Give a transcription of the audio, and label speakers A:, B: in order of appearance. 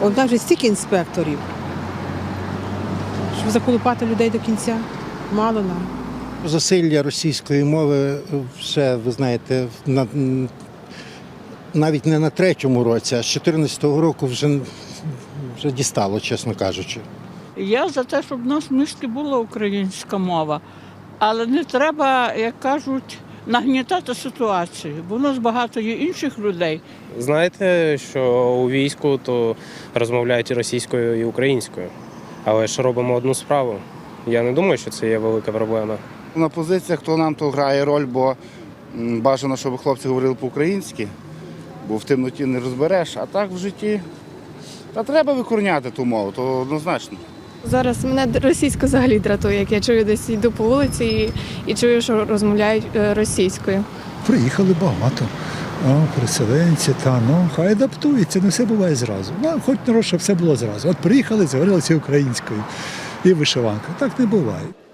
A: От навіть стільки інспекторів, щоб заколупати людей до кінця, мало нам.
B: Засилля російської мови вже, ви знаєте, навіть не на третьому році, а з 2014 року вже дістало, чесно кажучи.
C: Я за те, щоб в нас в місті була українська мова, але не треба, як кажуть, нагнітати ситуацію, бо в нас багато є інших людей.
D: Знаєте, що у війську то розмовляють і російською, і українською, але ж робимо одну справу. Я не думаю, що це є велика проблема.
E: На позиціях то нам то грає роль, бо бажано, щоб хлопці говорили по-українськи, бо в темноті не розбереш, а так в житті та треба викорняти ту мову, то однозначно.
F: Зараз мене російська взагалі дратує, як я чую, десь йду по вулиці і чую, що розмовляють російською.
G: Приїхали багато. Переселенці, хай адаптуються, не все буває зразу. Хоч народ, щоб все було зразу. От приїхали, заговорилися українською і вишиванка. Так не буває.